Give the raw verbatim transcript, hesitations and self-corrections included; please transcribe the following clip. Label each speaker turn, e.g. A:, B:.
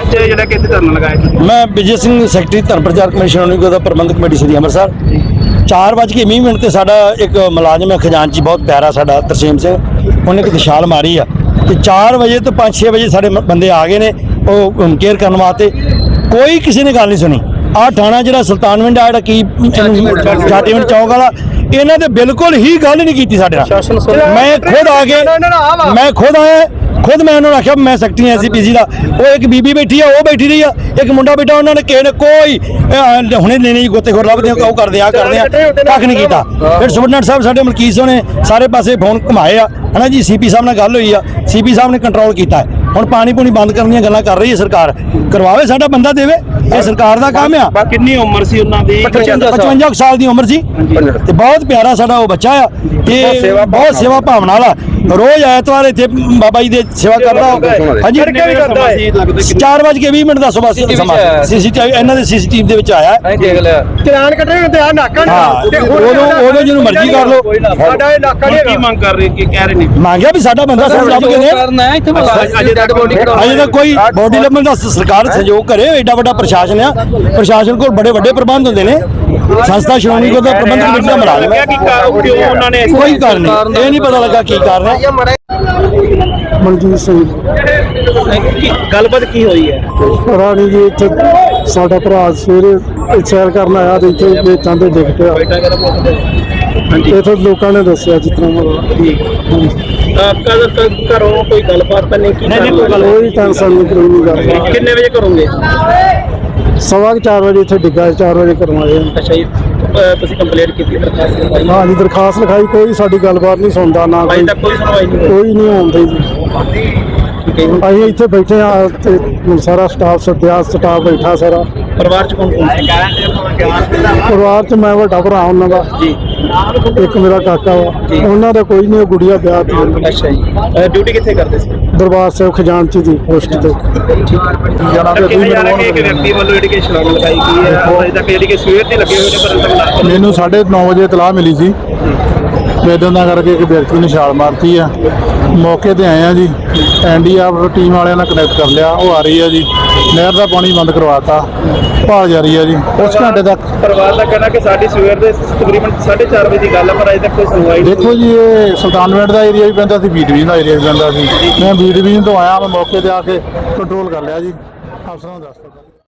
A: ਅੱਜ ਜਿਹੜਾ ਕਿ ਇੱਥੇ ਧਰਨਾ ਲਗਾਇਆ?
B: मैं विजय सिंह सैकटरी धर्म प्रचार कमेशन उन्हीं का प्रबंधक कमेटी श्री ਅੰਮ੍ਰਿਤਸਰ। चार बज के ਵੀਹ मिनट ਤੇ ਸਾਡਾ ਇੱਕ ਮੁਲਾਜ਼ਮ ਹੈ ਖਜ਼ਾਨਚੀ ਬਹੁਤ ਪਿਆਰਾ ਸਾਡਾ ਤਰਸੇਮ ਸਿੰਘ, ਉਹਨੇ ਇੱਕ ਛਾਲ ਮਾਰੀ ਆ ਤੇ ਚਾਰ ਵਜੇ ਤੋਂ ਪੰਜ ਛੇ ਵਜੇ ਸਾਡੇ ਮ- ਬੰਦੇ ਆ ਗਏ ਨੇ ਉਹ ਕੇਅਰ ਕਰਨ ਵਾਸਤੇ। ਕੋਈ ਕਿਸੇ ਨੇ ਗੱਲ ਨਹੀਂ ਸੁਣੀ। ਆਹ ਥਾਣਾ ਜਿਹੜਾ ਸੁਲਤਾਨਵਿੰਡ ਆ ਜਿਹੜਾ ਕੀ ਚਾਟੀਵਿੰਡ ਚੌਕ ਵਾਲਾ, ਇਹਨਾਂ ਦੇ ਬਿਲਕੁਲ ਹੀ ਗੱਲ ਨਹੀਂ ਕੀਤੀ ਸਾਡੇ ਨਾਲ। ਮੈਂ ਖੁਦ ਆ ਕੇ ਮੈਂ ਖੁਦ ਆਇਆ खुद मैं उन्होंने आख्या मैं secretary S C P C का, वो एक बीबी बैठी है वो बैठी रही है, एक मुंडा बैठा, उन्होंने किसी ने कोई हुणे लेने गोतेखोर लभदे वो करदे आ करदे कख नहीं कीता। फिर सुपरडेंट साहब साडे मलकीत सिंह ने सारे पासे फोन घुमाए आ है ना जी, सी पी साहब नाल गल हुई आ, सी पी साहब ने कंट्रोल किया है। ਹੁਣ ਪਾਣੀ ਪੂਣੀ ਬੰਦ ਕਰਨ ਦੀਆਂ ਗੱਲਾਂ ਕਰ ਰਹੀ ਹੈ ਸਰਕਾਰ, ਕਰਵਾਵੇ ਸਾਡਾ ਬੰਦਾ ਦੇਵੇ, ਇਹ ਸਰਕਾਰ ਦਾ ਕੰਮ ਆ।
A: ਕਿੰਨੀ ਉਮਰ ਸੀ ਉਹਨਾਂ ਦੀ?
B: ਪਚਵੰਜਾ ਸਾਲ ਦੀ ਉਮਰ ਸੀ ਤੇ ਬਹੁਤ ਪਿਆਰਾ ਸਾਡਾ ਉਹ ਬੱਚਾ ਆ ਤੇ ਬਹੁਤ ਸੇਵਾ ਭਾਵਨਾ ਵਾਲਾ, ਰੋਜ਼ ਐਤਵਾਰ ਇੱਥੇ ਬਾਬਾ ਜੀ ਦੇ ਸੇਵਾ ਕਰਦਾ। ਹਾਂਜੀ, ਚਾਰ ਵਜ ਕੇ ਵੀਹ ਮਿੰਟ ਦਾ ਸਵੇਰ ਸਮਾਂ ਸੀਸੀਟੀਵੀ ਇਹਨਾਂ ਦੇ ਸੀਸੀਟੀਵੀ ਦੇ ਵਿੱਚ ਆਇਆ।
C: ਚਲਾਨ ਕੱਢਣੇ ਤੇ ਆ ਨਾਕਾ
B: ਨਹੀਂ, ਉਦੋਂ ਉਦੋਂ ਜਿਹਨੂੰ ਮਰਜ਼ੀ ਕਰ ਲਓ।
C: ਸਾਡਾ ਇਹ ਨਾਕਾ ਨਹੀਂ
A: ਕੀ ਮੰਗ ਕਰ ਰਹੇ ਕੀ ਕਹਿ ਰਹੇ ਨੇ?
B: ਮੰਗਿਆ ਵੀ ਸਾਡਾ ਬੰਦਾ ਸਾਨੂੰ ਲੱਭ ਕੇ ਦੇ। ਅਜੇ ਤੱਕ ਕੋਈ ਬੋਡੀ ਲੱਭਣ ਦਾ ਸਰਕਾਰ ਸਹਿਯੋਗ ਕਰੇ। ਐਡਾ ਵੱਡਾ ਪ੍ਰਸ਼ਾਸਨ ਆ, ਪ੍ਰਸ਼ਾਸਨ ਕੋਲ ਬੜੇ ਵੱਡੇ ਪ੍ਰਬੰਧ ਹੁੰਦੇ ਨੇ। ਸੰਸਥਾ ਸ਼੍ਰੋਮਣੀ ਗੁਰਦੁਆਰਾ ਪ੍ਰਬੰਧਕ ਕਮੇਟੀ ਦਾ ਮੁਲਾਜ਼ਮ ਹੈ,
A: ਕਿਉਂ ਉਹਨਾਂ ਨੇ
B: ਕੋਈ ਕਾਰਨ ਨਹੀਂ, ਇਹ ਨਹੀਂ ਪਤਾ ਲੱਗਾ ਕੀ ਕਾਰਨ ਹੈ।
D: ਮਨਜੀਤ ਸਿੰਘ
A: ਗੱਲਬਾਤ ਕੀ ਹੋਈ ਹੈ?
D: ਰਾਣੀ ਜੀ ਇੱਥੇ ਸਾਡਾ ਭਰਾ ਸਵੇਰੇ ਸੈਰ ਕਰਨ ਆਇਆ ਤੇ ਇੱਥੇ ਵੇਚਾਂ ਤੇ ਡਿੱਗ ਪਿਆ। ਇੱਥੇ ਲੋਕਾਂ ਨੇ ਦੱਸਿਆ ਜਿਸ ਤਰ੍ਹਾਂ
A: ਘਰੋਂ ਕੋਈ ਗੱਲਬਾਤ ਤਾਂ ਨਹੀਂ ਕੀਤੀ?
D: ਕੋਈ ਟੈਨਸ਼ਨ ਨਹੀਂ, ਕੋਈ ਨਹੀਂ ਗੱਲ।
A: ਕਿੰਨੇ ਵਜੇ ਕਰੋਗੇ?
D: ਸਵਾ ਕੁ ਚਾਰ ਵਜੇ ਇੱਥੇ ਡਿੱਗਾ, ਚਾਰ ਵਜੇ ਕਰਵਾਏ।
A: ਅੱਛਾ ਜੀ, ਤੁਸੀਂ ਕੰਪਲੇਂਟ ਕੀਤੀ ਦਰਖਾਸਤ ਲਗਾਈ?
D: ਹਾਂ ਜੀ, ਦਰਖਾਸਤ ਲਿਖਾਈ, ਕੋਈ ਸਾਡੀ ਗੱਲਬਾਤ ਨਹੀਂ ਸੁਣਦਾ ਨਾ
A: ਅਜੇ
D: ਕੋਈ
A: ਤੱਕ ਕੋਈ ਸੁਣਵਾਈ ਨਹੀਂ ਹੋਈ?
D: ਕੋਈ ਨਹੀਂ ਆਉਂਦੇ ਜੀ। ਅਸੀਂ ਇੱਥੇ ਬੈਠੇ ਆ ਤੇ ਸਾਰਾ ਸਟਾਫ ਸੱਦਿਆ, ਸਟਾਫ ਬੈਠਾ ਸਾਰਾ।
A: ਪਰਿਵਾਰ ਚ ਕੌਣ ਕੌਣ ਸੀ?
D: ਪਰਿਵਾਰ ਚ ਮੈਂ ਵੱਡਾ ਭਰਾ ਉਹਨਾਂ ਦਾ
A: ਜੀ,
D: ਇੱਕ ਮੇਰਾ ਕਾਕਾ ਵਾ, ਉਹਨਾਂ ਦਾ ਕੋਈ ਨਹੀਂ, ਗੁੜੀਆ ਵਿਆਹ ਤੇ
A: ਅੱਛਾ ਜੀ। ਡਿਊਟੀ ਕਿੱਥੇ ਕਰਦੇ ਸੀ?
D: ਦਰਬਾਰ ਸਾਹਿਬ ਖਜ਼ਾਨਚੀ ਦੀ ਪੋਸਟ ਤੇ।
A: ਕਿਹਾ ਜਾ ਰਿਹਾ ਕਿ ਇੱਕ ਵਿਅਕਤੀ ਵੱਲੋਂ ਜਿਹੜੀ ਕਿ ਛਲਾਂਗ ਲਗਾਈ ਗਈ ਹੈ, ਅਜੇ ਤੱਕ ਜਿਹੜੀ ਕਿ ਸਵੇਰ ਦੇ ਲੱਗੇ ਹੋਏ ਨੇ ਪਰ
D: ਮੈਨੂੰ ਸਾਢੇ ਨੌ ਵਜੇ ਇਤਲਾਹ ਮਿਲੀ ਸੀ ਇਦਾਂ ਦਾ ਕਰਕੇ ਇੱਕ ਵਿਅਕਤੀ ਨੇ ਛਾਲ ਮਾਰਤੀ ਆ। ਮੌਕੇ ਤੇ ਆਏ ਆ ਜੀ, N D R F team ਵਾਲਿਆਂ ਨਾਲ ਕਨੈਕਟ ਕਰ ਲਿਆ, ਉਹ ਆ ਰਹੀ ਆ ਜੀ। ਨਹਿਰ ਦਾ ਪਾਣੀ ਬੰਦ ਕਰਵਾਤਾ, ਭਾਲ ਜਾਰੀ ਆ ਜੀ ਉਸ ਘੰਟੇ ਤੱਕ।
A: ਪਰਿਵਾਰ ਦਾ ਕਹਿਣਾ ਕਿ ਸਾਡੀ ਸਵੇਰ ਦੇ ਤਕਰੀਬਨ ਸਾਢੇ ਚਾਰ ਵਜੇ ਦੀ ਗੱਲ ਹੈ ਪਰ ਅਜੇ ਤੱਕ ਕੋਈ ਸੁਣਵਾਈ ਨਹੀਂ।
D: ਦੇਖੋ ਜੀ, ਇਹ ਸੁਲਤਾਨਵਿੰਡ ਦਾ ਏਰੀਆ ਵੀ ਪੈਂਦਾ ਸੀ, ਬੀ ਡਿਵੀਜ਼ਨ ਦਾ ਏਰੀਆ ਵੀ ਪੈਂਦਾ ਸੀ। ਮੈਂ ਬੀ ਡਿਵੀਜ਼ਨ ਤੋਂ ਆਇਆ, ਮੈਂ ਮੌਕੇ ਤੇ ਆ ਕੇ ਕੰਟਰੋਲ ਕਰ ਲਿਆ ਜੀ, ਅਫਸਰਾਂ ਨੂੰ ਦੱਸ ਦਿੱਤਾ।